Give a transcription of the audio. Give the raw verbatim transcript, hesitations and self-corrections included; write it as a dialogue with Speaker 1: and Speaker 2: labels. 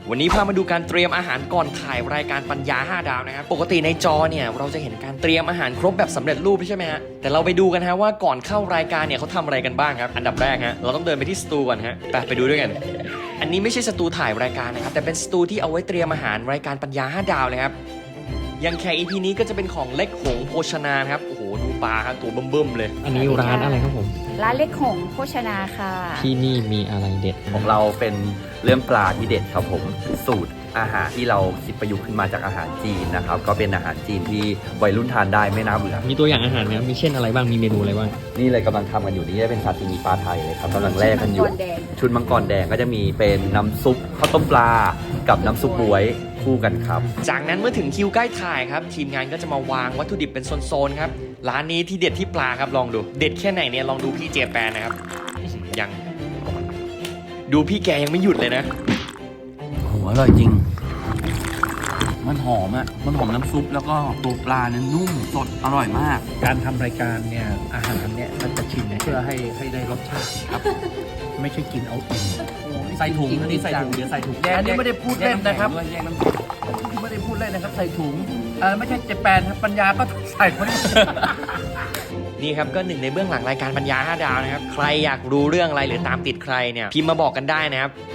Speaker 1: วันนี้พามาดูการเตรียมอาหารก่อนถ่ายรายการปัญญาห้าดาวนะครับปกติในจอเนี่ยเราจะเห็นการเตรียมอาหารครบแบบสำเร็จรูปใช่ไหมฮะแต่เราไปดูกันฮะว่าก่อนเข้ารายการเนี่ยเขาทำอะไรกันบ้างครับอันดับแรกฮะเราต้องเดินไปที่สตูก่อนฮะไปไปดูด้วยกันอันนี้ไม่ใช่สตูถ่ายรายการนะครับแต่เป็นสตูที่เอาไว้เตรียมอาหารรายการปัญญาห้าดาวเลยครับอย่างแขก อี พี นี้ก็จะเป็นของเล็กหงโภชนาครับโอ้โหดูปลาครับตัวเบิ่มๆเลย
Speaker 2: อันนี้ร้านอะไรครับผม
Speaker 3: ร้านเล็กหงโภชนาค่ะ
Speaker 2: ที่นี่มีอะไรเด็ด
Speaker 4: ของเราเป็นเรื่องปลาที่เด็ดครับผมสูตรอาหารที่เราคิดประยุกต์ขึ้นมาจากอาหารจีนนะครับก็เป็นอาหารจีนที่วัยรุ่นทานได้ไม่น่าเบื่อ
Speaker 2: มีตัวอย่างอาหารไหมครับมีเช่นอะไรบ้างมีเมนูอะไรบ้าง
Speaker 4: นี่เลยกำลังทำกันอยู่นี่จะเป็นซาซิมิปลาไทยเลยครับกำลังแล่กันอยู่ชุดมังกรแดงก็จะมีเป็นน้ำซุปข้าวต้มปลากับน้ำซุปบวยคู่กันครับ
Speaker 1: จากนั้นเมื่อถึงคิวใกล้ถ่ายครับทีมงานก็จะมาวางวัตถุดิบเป็นโซนๆครับร้านนี้ที่เด็ดที่ปลาครับลองดูเด็ดแค่ไหนเนี่ยลองดูพี่เจแปนนะครับยังดูพี่แกยังไม่หยุดเลยนะ
Speaker 5: โหอร่อยจริงมันหอมอ่ะมันหอมน้ำซุปแล้วก็ตัวปลาเนี่ยนุ่มสดอร่อยมาก
Speaker 6: การทำรายการเนี่ยอาหารเนี่ยมันจะชิมเพื่อให้ให้ได้รสชาติครับไม่ใช่กินเอาอิ่ม
Speaker 5: ใส่ถุงอันนี้ใส่ถุงเดี๋ยวใส่ถุง
Speaker 6: อันนี้ไม่ได้พูดเล่นนะครับไม่ได้พูดเล่นนะครับใส่ถุงเออไม่ใช่เจแปนครับปัญญาก็ใส่คน
Speaker 1: นี่ครับก็หนึ่งในเบื้องหลังรายการปัญญาห้าดาวนะครับใครอยากรู้เรื่องอะไรหรือตามติดใครเนี่ยพิมพ์มาบอกกันได้นะครับ